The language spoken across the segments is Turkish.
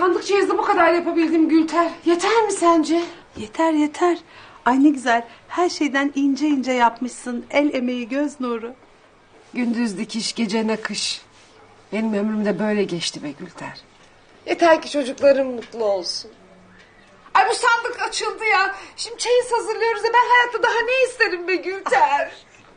Sandık cihazı bu kadar yapabildim Gülter. Yeter mi sence? Yeter yeter. Ay ne güzel. Her şeyden ince ince yapmışsın. El emeği, göz nuru. Gündüz dikiş, gece nakış. Benim ömrüm de böyle geçti be Gülter. Yeter ki çocuklarım mutlu olsun. Ay bu sandık açıldı ya. Şimdi çeyiz hazırlıyoruz ya. Ben hayatta daha ne isterim be Gülter?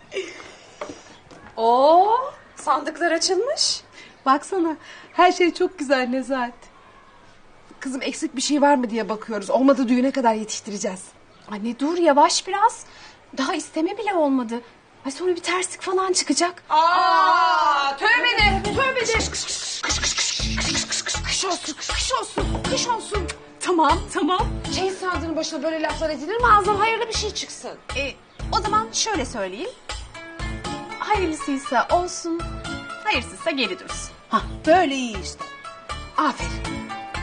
Oo, sandıklar açılmış. Baksana her şey çok güzel Nezahat. Kızım eksik bir şey var mı diye bakıyoruz. Olmadı düğüne kadar yetiştireceğiz. Anne dur yavaş biraz. Daha isteme bile olmadı. Ay sonra bir terslik falan çıkacak. Tövbe de. Tövbe de. Kış olsun. Kış olsun. Kış olsun. Tamam. Çeyiz sandığının başına böyle laflar edilir mi? Ağzından hayırlı bir şey çıksın. O zaman şöyle söyleyeyim. Hayırlısıysa olsun, hayırsızsa geri dursun. Hah böyle iyi işte. Aferin.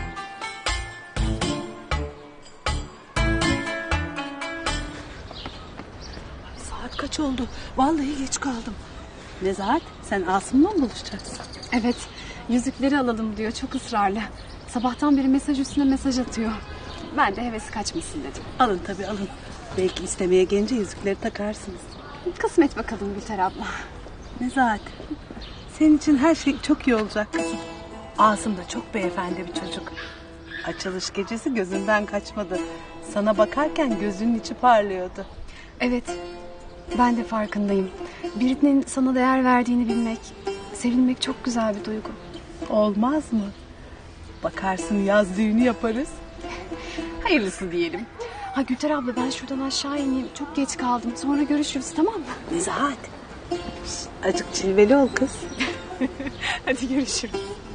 Saat kaç oldu? Vallahi geç kaldım. Nezahat sen Asım'la mı buluşacaksın? Evet, yüzükleri alalım diyor çok ısrarlı. Sabahtan beri mesaj üstüne mesaj atıyor. Ben de hevesi kaçmasın dedim. Alın tabii alın. Belki istemeye gelince yüzükleri takarsınız. Kısmet bakalım Gülter abla. Nezahat senin için her şey çok iyi olacak kızım. Asım da çok beyefendi bir çocuk. Açılış gecesi gözünden kaçmadı. Sana bakarken gözünün içi parlıyordu. Evet, ben de farkındayım. Birinin sana değer verdiğini bilmek, sevilmek çok güzel bir duygu. Olmaz mı? Bakarsın yaz düğünü yaparız. Hayırlısı diyelim. Ha Gülter abla ben şuradan aşağı ineyim. Çok geç kaldım. Sonra görüşürüz tamam mı? Nezahat. Azıcık cilveli ol kız. Hadi görüşürüz.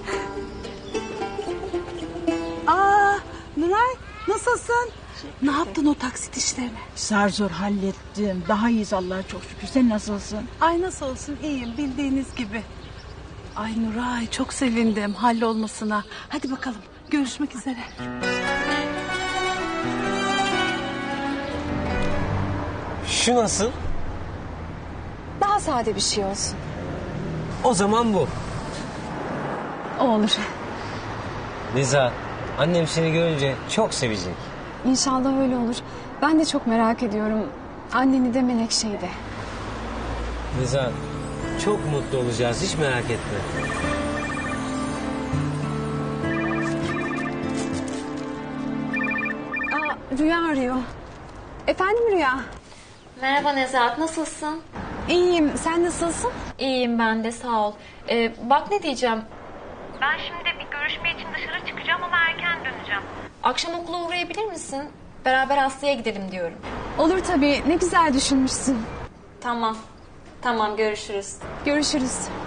Aa, Nuray nasılsın? Ne yaptın o taksit işlerini? Zar zor hallettim. Daha iyiyiz Allah'a çok şükür. Sen nasılsın? Ay nasıl olsun iyiyim bildiğiniz gibi. Ay Nuray çok sevindim hallolmasına. Hadi bakalım görüşmek üzere. Şu nasıl? Daha sade bir şey olsun. O zaman bu. O olur. Liza, annem seni görünce çok sevecek. İnşallah öyle olur. Ben de çok merak ediyorum. Anneni de Menekşe'yi de. Liza, çok mutlu olacağız. Hiç merak etme. Rüya arıyor. Efendim Rüya? Merhaba Nezahat, nasılsın? İyiyim. Sen nasılsın? İyiyim ben de, sağ ol. Bak ne diyeceğim. Ben şimdi bir görüşme için dışarı çıkacağım ama erken döneceğim. Akşam okula uğrayabilir misin? Beraber Aslı'ya gidelim diyorum. Olur tabii. Ne güzel düşünmüşsün. Tamam, görüşürüz. Görüşürüz.